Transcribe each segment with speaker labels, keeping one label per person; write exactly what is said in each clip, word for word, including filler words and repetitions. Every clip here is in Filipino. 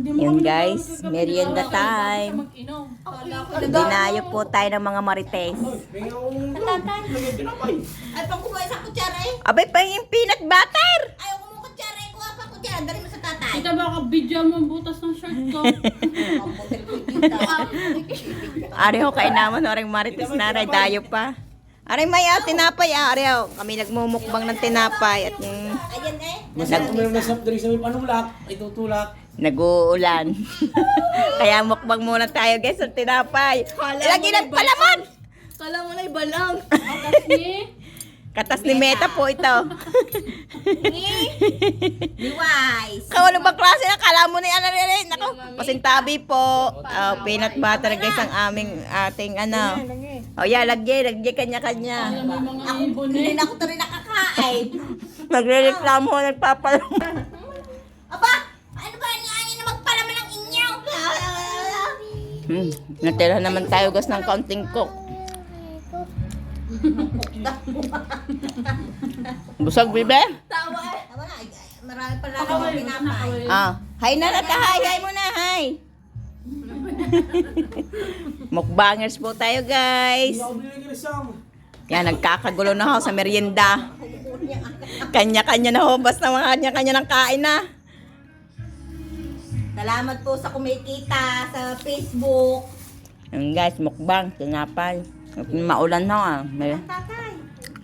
Speaker 1: Yun guys, merienda time. Dinayo po tayo ng mga marites.
Speaker 2: Ay, pang kumain sa kutsara eh.
Speaker 1: Abay pa yung peanut butter.
Speaker 2: Ayaw ko mong kutsara eh. Kuha pa kutsara. Dali mo sa tatay.
Speaker 3: Ito baka video mo ang butas ng shirt ko.
Speaker 1: Ari ho, kain naman oring marites na rin. Dayo pa. Ari may ah, tinapay ah. Ari ho, kami nagmumukbang ng tinapay. At yung
Speaker 2: Ayan eh.
Speaker 4: Masarap uminom na soft drinks sa may panulak. Itutulak.
Speaker 1: nag-uulan. Kaya mukbang muna tayo guys ng tinapay. Lagi nagpalaman.
Speaker 2: Kala mo na iba lang.
Speaker 3: Kasi,
Speaker 1: Katas ni Meta po ito.
Speaker 2: Be wise.
Speaker 1: Kung ano ba klase na kala mo na yan na rin. Ako, pasintabi po. Uh, peanut butter guys ang aming ating ano. Oh yeah, lagay, lagay kanya-kanya.
Speaker 3: alam mo yung mga
Speaker 2: Ako,
Speaker 3: ibon
Speaker 2: hindi
Speaker 3: eh.
Speaker 2: na ako ito rin nakakain.
Speaker 1: Nagre-reklamo, nagpapalaman.
Speaker 2: Aba, ano ba niya na magpalaman ng inyaw?
Speaker 1: Hmm, natira naman tayo guys ng counting cook. Busog, bibe?
Speaker 2: Tawa eh. Tawa na. ay, ay, Marami pa lang ako pinapay.
Speaker 1: Ah, hi na nata, hi, hi muna, hi. Mukbangers po tayo guys.
Speaker 4: Hindi ako binigyan ng sam.
Speaker 1: Yan, nagkakagulo na ho sa merienda. Kanya-kanya na ho, basta mga kanya-kanya ng kain na.
Speaker 2: Salamat po sa kumikita sa Facebook.
Speaker 1: Yan guys, mukbang, tinapay. Maulan na ah. May,
Speaker 2: Tatay,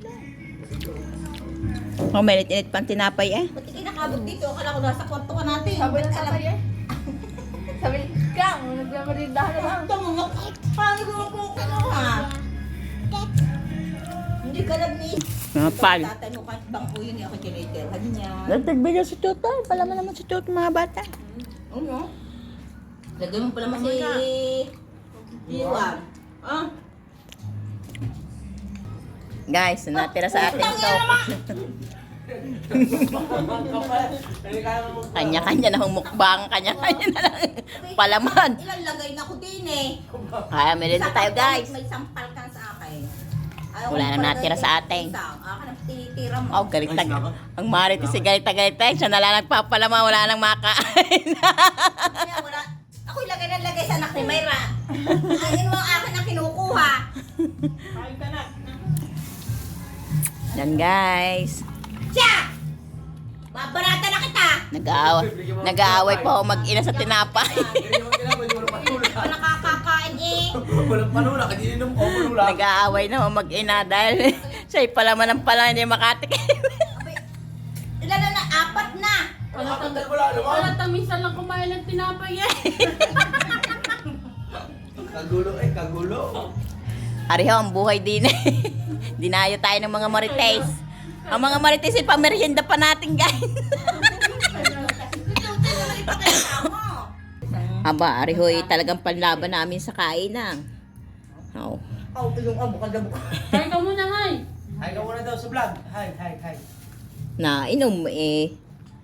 Speaker 1: oh, may init pang tinapay eh.
Speaker 2: ba't ikay nakabot dito? Akala ko nasa kwarto ka natin. Sabi na tatay eh.
Speaker 5: Sabi, Kang, nagmamarindahan na lang.
Speaker 2: Ito mo, paano ko kukuha? Hindi ka lang ni...
Speaker 1: Napal.
Speaker 2: Tatay mo kahit bang uyin niya ako tinitirhan niya.
Speaker 1: Nagtagbigay si Tuto. Palaman naman si Tuto mga bata.
Speaker 2: Ano? Lagay mo pala mas si... Iwan. Ah?
Speaker 1: Guys, natira sa atin ito. Kanya-kanya na humukbang. Kanya-kanya na lang palaman.
Speaker 2: Ilang lagay na ko din eh.
Speaker 1: Kaya merienda tayo guys.
Speaker 2: May sampal ka sa akin. Ayaw
Speaker 1: Wala
Speaker 2: ko
Speaker 1: na
Speaker 2: palagay
Speaker 1: natira
Speaker 2: ng
Speaker 1: sa atin.
Speaker 2: isang. Akin ang tinitira mo.
Speaker 1: Oh, galit tag. Ang Marites si galit galit tayo. Siya na lang nagpapalama. Wala nang makain.
Speaker 2: Kaya wala. Ako ilagay na lagay sa anak ni Mayra. Ayun mo ang akin ang kinukuha.
Speaker 1: Yan guys.
Speaker 2: Siya! Babarata na kita!
Speaker 1: Nag-aaway. Nag-aaway pa ako mag-ina sa tinapay.
Speaker 2: Hindi pa nakakakain eh.
Speaker 4: Walang panulak. Hindi inom ko panulak.
Speaker 1: Nag-aaway na ako mag-ina dahil siya'y palaman ng pala hindi makatikim.
Speaker 2: Abay, ilan na na? Apat na!
Speaker 3: Wala tang,
Speaker 4: Wala naman.
Speaker 3: wala tang minsan lang kumain ng tinapay eh.
Speaker 4: Kagulo eh, kagulo.
Speaker 1: Ariho, ang buhay din eh. Dinayo tayo ng mga marites. Ang mga marites ay pamerienda pa natin guys. Aba, Ariho ay talagang panlaban namin sa kainan. Oh.
Speaker 2: Oh, yung abo ka dabo.
Speaker 3: Kaya ka muna, hay.
Speaker 4: Hi ka muna daw sa vlog. Hi, hi, hi.
Speaker 1: Na inom eh.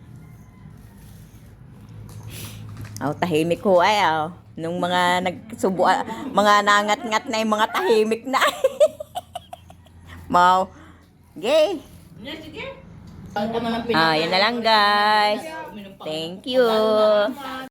Speaker 1: Oh, tahimik ko ay oh. Nung mga nagsubo, ah, mga nangat-ngat na yung mga tahimik na. Mau. Gay. Ah, yan na lang guys. Thank you.